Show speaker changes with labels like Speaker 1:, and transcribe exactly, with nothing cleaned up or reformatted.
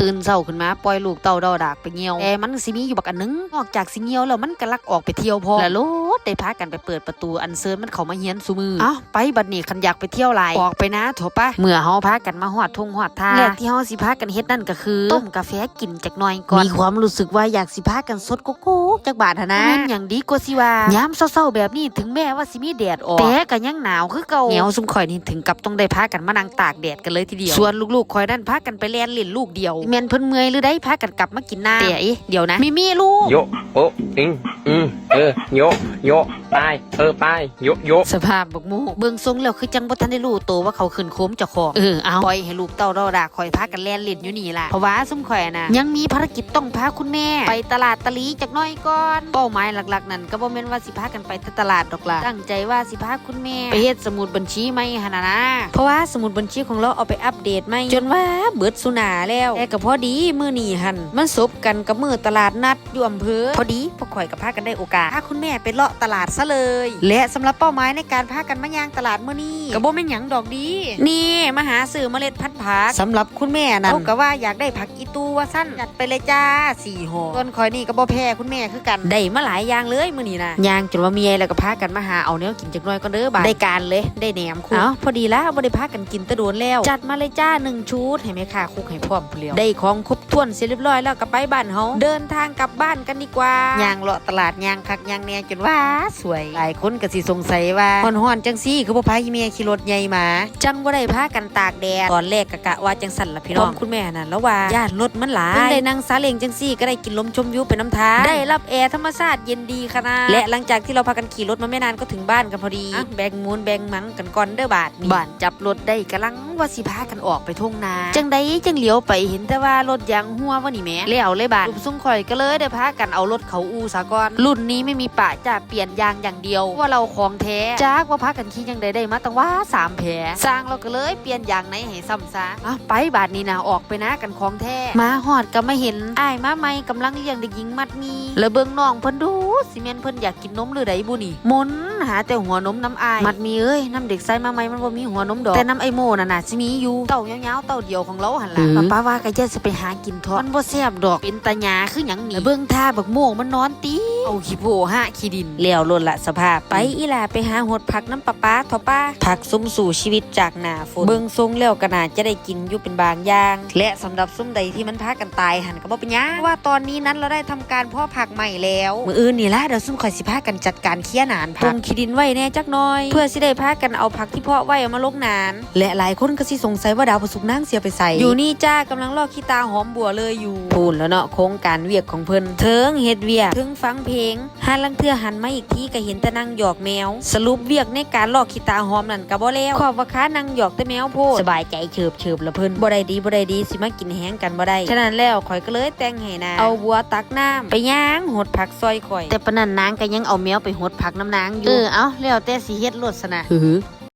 Speaker 1: ตื่นเช้าขึ้นมาปล่อยลูกเต่าดอดากไปเหี่ยวแต่มันสิมีอยู่บักอันนึงนอกจากสิเหี่ยวแล้วมันก็ลักออกไปเที่ยวพอแล้วโลดได้พากันไปเปิดประตูอันเซิร์นมันเข้ามาเฮียนซุมืออ้าวไปบัดนี้คันอยากไปเที่ยวหลายออกไปนะโถปะเมื่อเฮาพากันมาฮอดทุ่งฮอดทาแรกที่เฮาสิพากันเฮ็ดนั่นก็คือต้มกาแฟกินจักหน่อยก่อนมีความรู้สึกว่าอยากสิพากันสดโกโก้จักบาทนะแม่นหยังดีกว่าสิว่ายามเช้าๆแบบนี้ถึงแม้ว่าสิมีแดดออกแต่ก็ยังหนาวคือเก่าเหนียวซุ่มข่อยนี่ถึงกับต้องได้พากันมานั่งตากแดดกันเลยทีเดียวส่วนลูกๆข่อยนั่นพากันไปแล่นเล่นลูกเดียวแม่นเพิ่นเมื่อยหรือได้พากันกลับมากินน้ำแต่เอ๊ะเดี๋ยวนะมิมี่ลูก
Speaker 2: โยโออิงอืมเออโยโยไปเออไปโยโย
Speaker 1: สภาพบักมูเบิ่งทรงแล้วคือจังบ่ทันได้รู้ตัวว่าเขาขึ้นโค้มเจ้าของเออเอาปล่อยให้ลูกเต้าดอดาคอยพากันแล่นเล่นอยู่นี่ล่ะเพราะว่าซุ่มข่อยน่ะยังมีภารกิจต้องพาคุณแม่ไปตลาดตะลีจักหน่อยก่อนเป้าหมายหลักๆนั่นก็บ่แม่นว่าสิพากันไปตลาดดอกล่ะตั้งใจว่าสิพาคุณแม่ไปเฮ็ดสมุดบัญชีใหม่หั่นน่ะนะเพราะว่าสมุดบัญชีของเราเอาไปอัปเดตใหม่จนว่าเบิดสุนาแล้วแต่ก็พอดีมื้อนี้หั่นมันสบกันกับมื้อตลาดนัดอยู่อำเภอพอดีพวกข่อยก็พากันได้โอกาสพาคุณแม่ไปเลาะตลาดซะเลยและสำหรับเป้าหมายในการพากันมาย่างตลาดมื้อนี้ก็บ่แม่นหยังดอกดีนี่มาหาซื้อเมล็ดพันธุ์ผักสำหรับคุณแม่นั่นเขาก็ว่าอยากได้ผักอีตูว่าซั่นจัดไปเลยจ้าสี่ห่อส่วนข่อยนี่ก็บ่แพ้คุณแม่คือกันได้มาหลายอย่างเลยมื้อนี้นะย่างจนว่าเมียแล้วก็พากันมาหาเอาแนวกินจักหน่อยก่อนเด้อบาดได้การเลยได้แหนมคุกเอ้าพอดีละบ่ได้พากันกินตะโดนแล้วจัดมาเลยจ้าหนึ่งชุดให้แม่ค้าคุกให้พร้อมพุ่นแล้วได้ของครบถ้วนเสร็จเรียบร้อยแล้วก็ไปบ้านเฮาเดินทางกลับบ้านกันดีกว่าย่างเลาะตลาดย่างคักย่างแน่จนว่าสวยหลายคนก็สิสงสัยว่าฮ้อนๆจังซี่คือบ่พาอีเมียขี่รถใหญ่มาจังบ่ได้พากันตากแดดตอนแรกก็กะว่าจังสั่นล่ะพี่น้องคุณแม่น่ะแล้วว่าญาติรถมันหลายได้นั่งซาเล้งจังซี่ก็ได้กินลมชมวิวไปน้ำทางได้รับแอร์ธรรมชาติเย็นดีขนาดและหลังจากที่เราพากันขี่รถมาไม่นานก็ถึงบ้านกันพอดีแบ่งมูลแบ่งมังกันก่อนเด้อบาดนี้บ้านจับรถได้กำลังว่าสิพากันออกไปทุ่งนาจังใดจังเลี้ยวไปเห็นแต่ว่ารถยางหัวว่านี่แม่แล้วเลยบาดลุมซุ่มข่อยก็เลยได้พากันเอารถเขาอูซะก่อนรุ่นนี้ไม่มีปะจะเปลี่ยนยางอย่างเดียวว่าเราของแท้จากว่าพากันขี่จังใดได้มาตั้งว่าสามแผลสร้างเราก็เลยเปลี่ยนยางไหนให้ซ้ำซะอ่ะไปบาดนี้นะออกไปนะกันของแท้มาหอดก็ไม่เห็นอ้ายมาใหม่กำลังเลี้ยงเด็กหญิงมัดมีแล้วเบิ่งน้องเพิ่นดูสิแม่นเพิ่นอยากกินนมหรือใดบุนี่มนหาแต่หัวนมน้ำอายมัดมีเอ้ยน้ำเด็กใส่มาใหม่มันบ่มีหัวนมดอกแต่น้ำไอโมน่ะน่ะสิมีอยู่เต้ายาวๆเต้าเดียวของเราหั่นล่ะป้าว่าก็จะสิไปหากินทอดมันบ่แซ่บดอกเป็นตาหยาคือหยังนี่เบิ่งท่าบักโมงมันนอนตีเอาขี้โพหะขี้ดินแล้วล้นละสภาพไปอีหล่าไปหาหดผักน้ำปลาป้าทอป้าผักซุ่มสู่ชีวิตจากหน้าฝนเบิ่งทรงแล้วก็น่าจะได้กินอยู่เป็นบางอย่างและสำหรับซุ่มใดที่มันพากันตายหั่นก็บ่เป็นหยังว่าตอนนี้นั้นเราได้ทำการเพาะผักใหม่แล้วมื้ออื่นนี่ล่ะเดี๋ยวซุ่มข่อยสิพากันจัดการเคลียร์หนานผักขี้ดินไว้แน่จักหน่อยเพื่อสิได้พากันเอาผักที่เพาะไว้เอามาลงหนานและหลายคนก็สิสงสัยว่าดาวประสุกนางเสียไปใส่อยู่นี่จ้ากำลังลอกขี้ตาหอมบัวเลยอยู่พูนแล้วเนาะโครงการเวียกของเพิ่นเทิงเฮ็ดเวียกถึงฟังเพลงหาลังเทื่อหันมาอีกทีก็เห็นแต่นางหยอกแมวสรุปเวียกในการลอกขี้ตาหอมนั่นก็บ่แล้วขอบว่าค้านางหยอกแต่แมวโพดสบายใจเฉิบเฉิบละเพิ่นบ่ได้ดีบ่ได้ดีสิมากินแห้งกันบ่ได้ฉะนั้นแล้วข่อยก็เลยแต่งให้นางเอาบัวตักน้ำไปย่างหดผักซอยข่อยแต่ปะนั้นนางก็ยังเอาแมวไปหดผักน้ำนางอยู่เออเอาแล้วแต่สิเฮ็ดโลดซะนะ